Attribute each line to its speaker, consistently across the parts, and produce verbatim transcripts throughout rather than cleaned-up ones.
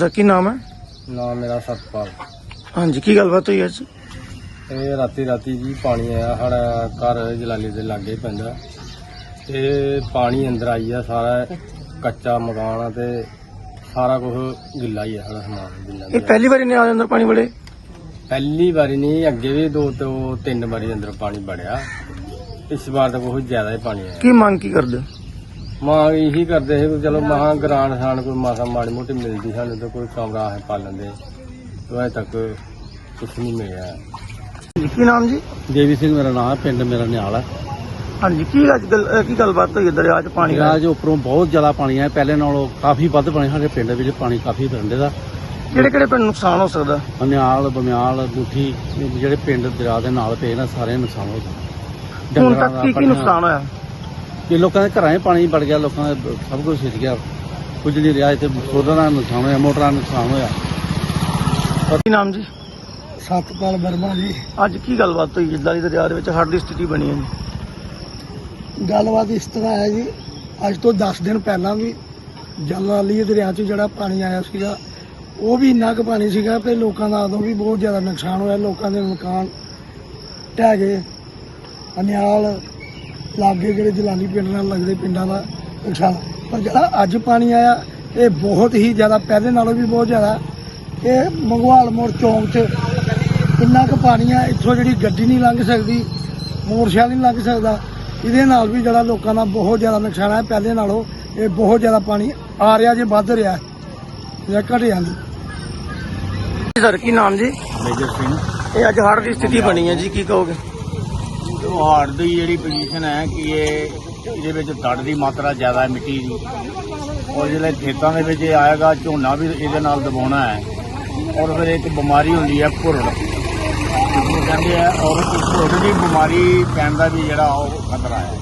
Speaker 1: ਕੀ ਨਾਮ ਹੈ?
Speaker 2: ਨਾਮ ਮੇਰਾ ਸਤਪਾਲ।
Speaker 1: ਹਾਂਜੀ, ਕੀ ਗੱਲਬਾਤ ਹੋਈ ਅੱਜ?
Speaker 2: ਇਹ ਰਾਤੀ ਰਾਤੀ ਜੀ ਪਾਣੀ ਆਇਆ ਸਾਡਾ ਘਰ ਜਲਾਲੀ ਦੇ ਲਾਗੇ ਪੈਂਦਾ ਤੇ ਪਾਣੀ ਅੰਦਰ ਆਈ ਆ। ਸਾਰਾ ਕੱਚਾ ਮਕਾਨ ਆ ਤੇ ਸਾਰਾ ਕੁਝ ਗਿੱਲਾ ਹੀ ਆ। ਸਾਡਾ ਸਮਾਨ ਗਿੱਲਾ
Speaker 1: ਇਹ ਪਹਿਲੀ ਵਾਰੀ ਨੇ ਆ ਅੰਦਰ ਪਾਣੀ ਵੜੇ?
Speaker 2: ਪਹਿਲੀ ਵਾਰੀ ਨਹੀਂ, ਅੱਗੇ ਵੀ ਦੋ ਤੋਂ ਤਿੰਨ ਵਾਰੀ ਅੰਦਰ ਪਾਣੀ ਵੜਿਆ। ਇਸ ਵਾਰ ਤਾਂ ਬਹੁਤ ਜ਼ਿਆਦਾ ਹੀ ਪਾਣੀ ਆਇਆ।
Speaker 1: ਕੀ ਮੰਗ ਕੀ ਕਰਦੇ ਹੋ?
Speaker 2: ਮਾਂ ਇਹੀ ਕਰਦੇ ਸੀ ਵੀ ਚਲੋ ਮਹਾਂ ਗਰਾਂਟ ਸਾਨ ਕੋਈ ਮਾਸਾ ਮਾੜੀ ਮੋਟੀ ਮਿਲਦੀ ਸਾਨੂੰ ਤਾਂ ਕੋਈ ਕਮਰਾ ਹੈ ਪਾਲਣ ਦੇ, ਅਜੇ ਤੱਕ ਕੁਛ ਨਹੀਂ ਮਿਲਿਆ।
Speaker 1: ਕੀ ਨਾਮ ਜੀ?
Speaker 2: ਦੇਵੀ ਸਿੰਘ ਮੇਰਾ ਨਾਮ ਹੈ, ਪਿੰਡ ਮੇਰਾ ਨਿਆਲ ਹੈ।
Speaker 1: ਹਾਂਜੀ, ਕੀ ਅੱਜ ਗੱਲ ਕੀ ਗੱਲਬਾਤ ਹੋਈ ਦਰਿਆ 'ਚ ਪਾਣੀ ਆਇਆ?
Speaker 2: ਦਰਿਆ 'ਚ ਉੱਪਰੋਂ ਬਹੁਤ ਜ਼ਿਆਦਾ ਪਾਣੀ ਆਇਆ, ਪਹਿਲੇ ਨਾਲੋਂ ਕਾਫੀ ਵੱਧ ਪਾਣੀ। ਸਾਡੇ ਪਿੰਡ ਵਿੱਚ ਪਾਣੀ ਕਾਫੀ ਵਰੰਡੇ ਦਾ।
Speaker 1: ਕਿਹੜੇ ਕਿਹੜੇ ਪਿੰਡ ਨੁਕਸਾਨ ਹੋ ਸਕਦਾ?
Speaker 2: ਨਿਆਲ, ਬਮਿਆਲ, ਮੁੱਠੀ, ਜਿਹੜੇ ਪਿੰਡ ਦਰਿਆ ਦੇ ਨਾਲ ਪਏ ਨਾ ਸਾਰੇ ਨੁਕਸਾਨ ਹੋ ਗਿਆ।
Speaker 1: ਹੁਣ ਤੱਕ ਕੀ ਕੀ ਨੁਕਸਾਨ ਹੋਇਆ?
Speaker 2: ਇਹ ਲੋਕਾਂ ਦੇ ਘਰਾਂ 'ਚ ਪਾਣੀ ਵੜ ਗਿਆ, ਲੋਕਾਂ ਦਾ ਸਭ ਕੁਝ ਸਿੱਜ ਗਿਆ, ਕੁਝ ਨਹੀਂ ਰਿਹਾ। ਇੱਥੇ ਸੋਲਰਾਂ ਦਾ ਨੁਕਸਾਨ ਹੋਇਆ, ਮੋਟਰਾਂ ਦਾ ਨੁਕਸਾਨ ਹੋਇਆ।
Speaker 1: ਕੀ ਨਾਮ ਜੀ?
Speaker 2: ਸਤਪਾਲ ਵਰਮਾ ਜੀ।
Speaker 1: ਅੱਜ ਕੀ ਗੱਲਬਾਤ ਹੋਈ ਜਿੱਦਾਂ ਦੀ ਦਰਿਆ ਦੇ ਵਿੱਚ ਹੜ੍ਹ ਦੀ ਸਥਿਤੀ ਬਣੀ ਹੈ ਜੀ?
Speaker 3: ਗੱਲਬਾਤ ਇਸ ਤਰ੍ਹਾਂ ਹੈ ਜੀ, ਅੱਜ ਤੋਂ ਦਸ ਦਿਨ ਪਹਿਲਾਂ ਵੀ ਜਲਾਲੀ ਦਰਿਆ 'ਚ ਜਿਹੜਾ ਪਾਣੀ ਆਇਆ ਸੀਗਾ ਉਹ ਵੀ ਇੰਨਾ ਕੁ ਪਾਣੀ ਸੀਗਾ ਤੇ ਲੋਕਾਂ ਦਾ ਉਦੋਂ ਵੀ ਬਹੁਤ ਜ਼ਿਆਦਾ ਨੁਕਸਾਨ ਹੋਇਆ। ਲੋਕਾਂ ਦੇ ਮਕਾਨ ਢਹਿ ਗਏ। ਅਨਿਆਲ ਲਾਗੇ ਜਿਹੜੇ ਜਲਾਲੀ ਪਿੰਡ ਨਾਲ ਲੱਗਦੇ ਪਿੰਡਾਂ ਦਾ ਨੁਕਸਾਨ। ਪਰ ਜਿਹੜਾ ਅੱਜ ਪਾਣੀ ਆਇਆ ਇਹ ਬਹੁਤ ਹੀ ਜ਼ਿਆਦਾ, ਪਹਿਲੇ ਨਾਲੋਂ ਵੀ ਬਹੁਤ ਜ਼ਿਆਦਾ। ਇਹ ਮੰਗਵਾਲ ਮੋੜ ਚੌਂਕ 'ਚ ਇੰਨਾ ਕੁ ਪਾਣੀ ਆ, ਇੱਥੋਂ ਜਿਹੜੀ ਗੱਡੀ ਨਹੀਂ ਲੰਘ ਸਕਦੀ, ਮੋਟਰਸਾਈਕਲ ਨਹੀਂ ਲੰਘ ਸਕਦਾ। ਇਹਦੇ ਨਾਲ ਵੀ ਜਿਹੜਾ ਲੋਕਾਂ ਦਾ ਬਹੁਤ ਜ਼ਿਆਦਾ ਨੁਕਸਾਨ ਹੈ। ਪਹਿਲੇ ਨਾਲੋਂ ਇਹ ਬਹੁਤ ਜ਼ਿਆਦਾ ਪਾਣੀ ਆ ਰਿਹਾ, ਜੇ ਵੱਧ ਰਿਹਾ ਜਾਂ ਘਟਿਆ ਨਹੀਂ।
Speaker 1: ਸਰ ਕੀ ਨਾਮ ਜੀ?
Speaker 2: ਮੇਜਰ ਸਿੰਘ।
Speaker 1: ਇਹ ਅੱਜ ਹੜ੍ਹ ਦੀ ਸਥਿਤੀ ਬਣੀ ਹੈ ਜੀ, ਕੀ ਕਹੋਗੇ?
Speaker 2: ਹਾੜ ਦੀ ਜਿਹੜੀ ਪੋਜੀਸ਼ਨ ਹੈ ਕਿ ਇਹ ਇਹਦੇ ਵਿੱਚ ਤੜ ਦੀ ਮਾਤਰਾ ਜ਼ਿਆਦਾ ਹੈ, ਮਿੱਟੀ ਦੀ। ਔਰ ਜਿਹੜੇ ਖੇਤਾਂ ਦੇ ਵਿੱਚ ਇਹ ਆਏਗਾ, ਝੋਨਾ ਵੀ ਇਹਦੇ ਨਾਲ ਦਬਾਉਣਾ ਹੈ। ਔਰ ਫਿਰ ਇੱਕ ਬਿਮਾਰੀ ਹੁੰਦੀ ਹੈ ਭੁਰੜ, ਜਿਹਨੂੰ ਕਹਿੰਦੇ ਆ। ਔਰ ਇਸ ਭੁਰੜ ਦੀ ਬਿਮਾਰੀ ਪੈਣ ਦਾ ਵੀ ਜਿਹੜਾ ਉਹ ਖਤਰਾ ਹੈ।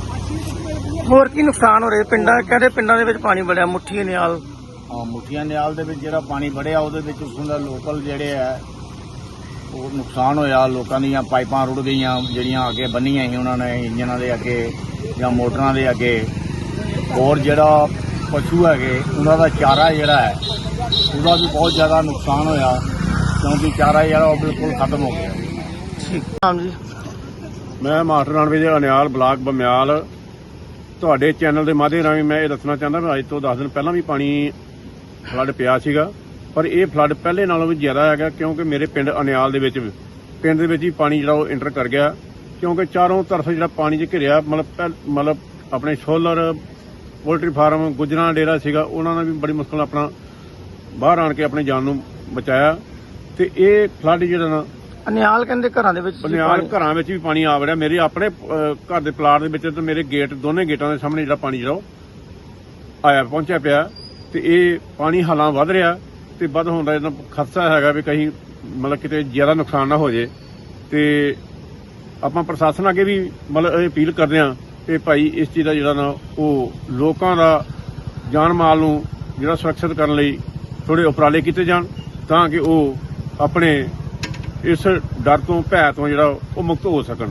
Speaker 1: ਹੋਰ ਕੀ ਨੁਕਸਾਨ ਹੋ ਰਿਹਾ ਪਿੰਡਾਂ? ਕਹਿੰਦੇ ਪਿੰਡਾਂ ਦੇ ਵਿੱਚ ਪਾਣੀ ਵੜਿਆ, ਮੁੱਠੀ ਨਿਆਲ।
Speaker 2: ਹਾਂ, ਮੁੱਠੀਆਂ ਨਿਆਲ ਦੇ ਵਿੱਚ ਜਿਹੜਾ ਪਾਣੀ ਵੜਿਆ ਉਹਦੇ ਵਿੱਚ ਉੱਥੋਂ ਦਾ ਲੋਕਲ ਜਿਹੜੇ ਆ ਉਹ ਨੁਕਸਾਨ ਹੋਇਆ। ਲੋਕਾਂ ਦੀਆਂ ਪਾਈਪਾਂ ਰੁੜ ਗਈਆਂ, ਜਿਹੜੀਆਂ ਅੱਗੇ ਬੰਨੀਆਂ ਸੀ ਉਹਨਾਂ ਨੇ ਇੰਜਨਾਂ ਦੇ ਅੱਗੇ ਜਾਂ ਮੋਟਰਾਂ ਦੇ ਅੱਗੇ। ਔਰ ਜਿਹੜਾ ਪਸ਼ੂ ਹੈਗੇ ਉਹਨਾਂ ਦਾ ਚਾਰਾ ਜਿਹੜਾ ਹੈ ਉਹਦਾ ਵੀ ਬਹੁਤ ਜ਼ਿਆਦਾ ਨੁਕਸਾਨ ਹੋਇਆ, ਕਿਉਂਕਿ ਚਾਰਾ ਜਿਹੜਾ ਉਹ ਬਿਲਕੁਲ ਖਤਮ ਹੋ ਗਿਆ।
Speaker 1: ਠੀਕ ਨਾਮ ਜੀ?
Speaker 4: ਮੈਂ ਮਾਸਟਰ ਰਣਵੀਰ ਦੇ ਅਨਿਆਲ ਬਲਾਕ ਬਮਿਆਲ। ਤੁਹਾਡੇ ਚੈਨਲ ਦੇ ਮਾਧਿਅਮ ਰਾਹੀਂ ਮੈਂ ਇਹ ਦੱਸਣਾ ਚਾਹੁੰਦਾ ਵੀ ਅੱਜ ਤੋਂ ਦਸ ਦਿਨ ਪਹਿਲਾਂ ਵੀ ਪਾਣੀ ਫਲੱਡ ਪਿਆ ਸੀਗਾ, ਪਰ ਇਹ ਫਲੱਡ ਪਹਿਲੇ ਨਾਲੋਂ ਵੀ ਜ਼ਿਆਦਾ ਹੈਗਾ, ਕਿਉਂਕਿ ਮੇਰੇ ਪਿੰਡ ਅਨਿਆਲ ਦੇ ਵਿੱਚ ਪਿੰਡ ਦੇ ਵਿੱਚ ਹੀ ਪਾਣੀ ਜਿਹੜਾ ਉਹ ਇੰਟਰ ਕਰ ਗਿਆ। ਕਿਉਂਕਿ ਚਾਰੋਂ ਤਰਫ ਜਿਹੜਾ ਪਾਣੀ 'ਚ ਘਿਰਿਆ, ਮਤਲਬ ਮਤਲਬ ਆਪਣੇ ਸੋਲਰ, ਪੋਲਟਰੀ ਫਾਰਮ, ਗੁੱਜਰਾਂ ਡੇਰਾ ਸੀਗਾ, ਉਹਨਾਂ ਨੇ ਵੀ ਬੜੀ ਮੁਸ਼ਕਲ ਨਾਲ ਆਪਣਾ ਬਾਹਰ ਆਣ ਕੇ ਆਪਣੀ ਜਾਨ ਨੂੰ ਬਚਾਇਆ। ਤੇ ਇਹ ਫਲੱਡ ਜਿਹੜਾ ਨਾ
Speaker 1: ਅਨਿਆਲ ਕਹਿੰਦੇ ਘਰਾਂ ਦੇ ਵਿੱਚ
Speaker 4: ਅਨਿਆਲ ਘਰਾਂ ਵਿੱਚ ਵੀ ਪਾਣੀ ਆ ਵੜਿਆ। ਮੇਰੇ ਆਪਣੇ ਘਰ ਦੇ ਪਲਾਟ ਦੇ ਵਿੱਚ ਤੇ ਮੇਰੇ ਗੇਟ, ਦੋਨੇ ਗੇਟਾਂ ਦੇ ਸਾਹਮਣੇ ਜਿਹੜਾ ਪਾਣੀ ਜਿਹੜਾ ਉਹ ਆਇਆ ਪਹੁੰਚਿਆ ਪਿਆ। ਤੇ ਇਹ ਪਾਣੀ ਹਾਲਾਂ ਵੱਧ ਰਿਹਾ ਤੇ ਵੱਧ ਹੋਣ ਦਾ ਇਹਦਾ ਖਤਰਾ ਹੈਗਾ ਵੀ ਕहीं ਮਤਲਬ ਕਿਤੇ ਜ਼ਿਆਦਾ ਨੁਕਸਾਨ ਨਾ ਹੋ ਜੇ। ਤੇ ਆਪਾਂ ਪ੍ਰਸ਼ਾਸਨ ਅੱਗੇ ਵੀ ਮਤਲਬ ਇਹ ਅਪੀਲ ਕਰਦੇ ਹਾਂ ਕਿ ਭਾਈ ਇਸ ਚੀਜ਼ ਦਾ ਜਿਹੜਾ ਨਾ ਉਹ ਲੋਕਾਂ ਦਾ ਜਾਨ ਮਾਲ ਨੂੰ ਜਿਹੜਾ ਸੁਰੱਖਿਅਤ ਕਰਨ ਲਈ ਥੋੜੇ ਉਪਰਾਲੇ ਕੀਤੇ ਜਾਣ, ਤਾਂ ਕਿ ਉਹ ਆਪਣੇ ਇਸ ਡਰ ਤੋਂ, ਭੈ ਤੋਂ ਜਿਹੜਾ ਉਹ ਮੁਕਤ ਹੋ ਸਕਣ।